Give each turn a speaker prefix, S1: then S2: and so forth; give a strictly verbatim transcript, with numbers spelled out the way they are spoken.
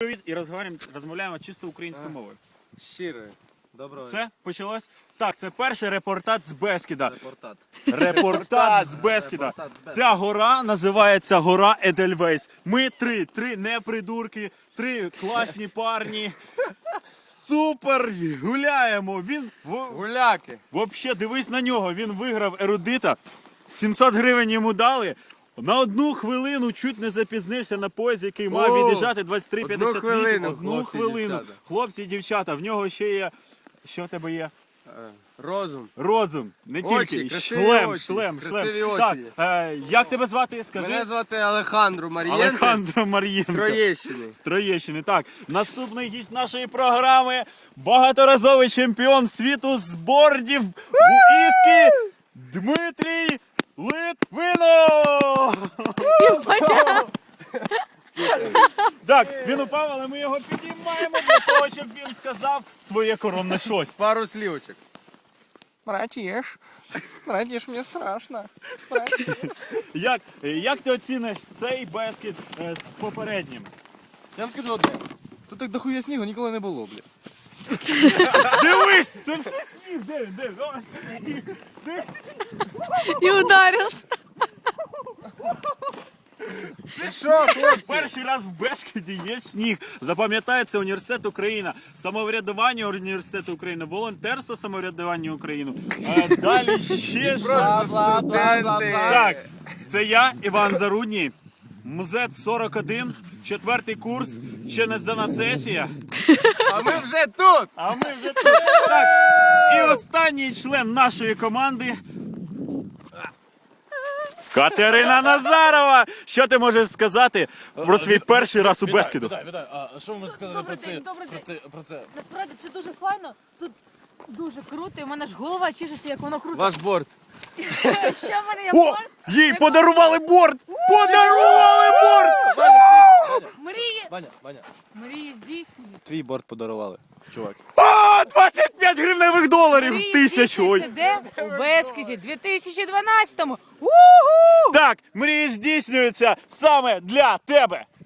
S1: привіт і розмовляємо, розмовляємо чисто українською мовою.
S2: Щиро. Доброго.
S1: Все, почалось? Так, це перший репортаж з Бескіда.
S2: Репортат.
S1: Репортаж з Бескіда.
S2: Репортаж з Бескіда.
S1: Ця гора називається гора Едельвейс. Ми три, три непридурки, три класні парні. Супер гуляємо. Він в-
S2: Гуляки.
S1: Вообще, дивись на нього, він виграв ерудита. сімсот гривень йому дали. На одну хвилину чуть не запізнився на поїзд, який мав
S2: О,
S1: від'їжджати двадцять три п'ятдесят вісім.
S2: одну хвилину,
S1: Одну
S2: хлопці і
S1: хвилину.
S2: дівчата.
S1: Хлопці і дівчата, в нього ще є. Що в тебе є?
S2: Е, Розум.
S1: Розум. Не
S2: Очі,
S1: тільки.
S2: красиві
S1: Шлем,
S2: очі,
S1: шлем,
S2: красиві
S1: шлем.
S2: очі.
S1: Так, е, як тебе звати? Скажи.
S2: Мене звати Алехандро Марієнтес.
S1: Олександро Мар'єнко.
S2: З Троєщини.
S1: З Троєщини. Так, наступний гість нашої програми – багаторазовий чемпіон світу з бордів в іскі Дмитрій Литвинов! Так, він упав, але ми його підіймаємо для того, щоб він сказав своє коронне щось.
S2: Пару слівочок.
S3: Братиш, братиш, мне страшно.
S1: Як, як ти оціниш цей Бескід е, з попереднім?
S3: Я вам скажу одне. Тут так дохуя снігу ніколи не було, блядь.
S1: Дивись, це все сніг, де він, де він? О, сніг.
S4: И ударился.
S2: Ти що, хлопці?
S1: Перший раз в Бескіді є сніг. Запам'ятається університет Україна, самоврядування університету України, волонтерство самоврядування України. А далі ще щось.
S2: Студенти.
S1: Так, це я, Іван Зарудній, МЗЕТ сорок один, четвертий курс, ще не здана сесія.
S2: А ми вже тут.
S1: А ми вже тут. Так, і останній член нашої команди. Катерина Назарова! Що ти можеш сказати про свій перший раз у Бескіду?
S5: Вітаю, вітаю. А що ви можете сказати про
S4: Добрий
S5: це?
S4: день, добрий
S5: Про це, про це?
S4: Насправді це дуже файно. Тут дуже круто. І в мене ж голова чешеться, як воно круто.
S2: Ваш борт.
S4: Що в мене є
S1: О,
S4: борт?
S1: їй подарували борт! Подарували борт!
S4: Мрії.
S5: Ваня, Ваня,
S4: Мрії здійснюються.
S5: твій борт подарували, чувак.
S1: А, двадцять п'ять гривневих доларів!
S4: Мрії
S1: Тисяч! Ой.
S4: здійснюються де? У Бескіді дві тисячі дванадцятому. Уху!
S1: Так, мрії здійснюються саме для тебе!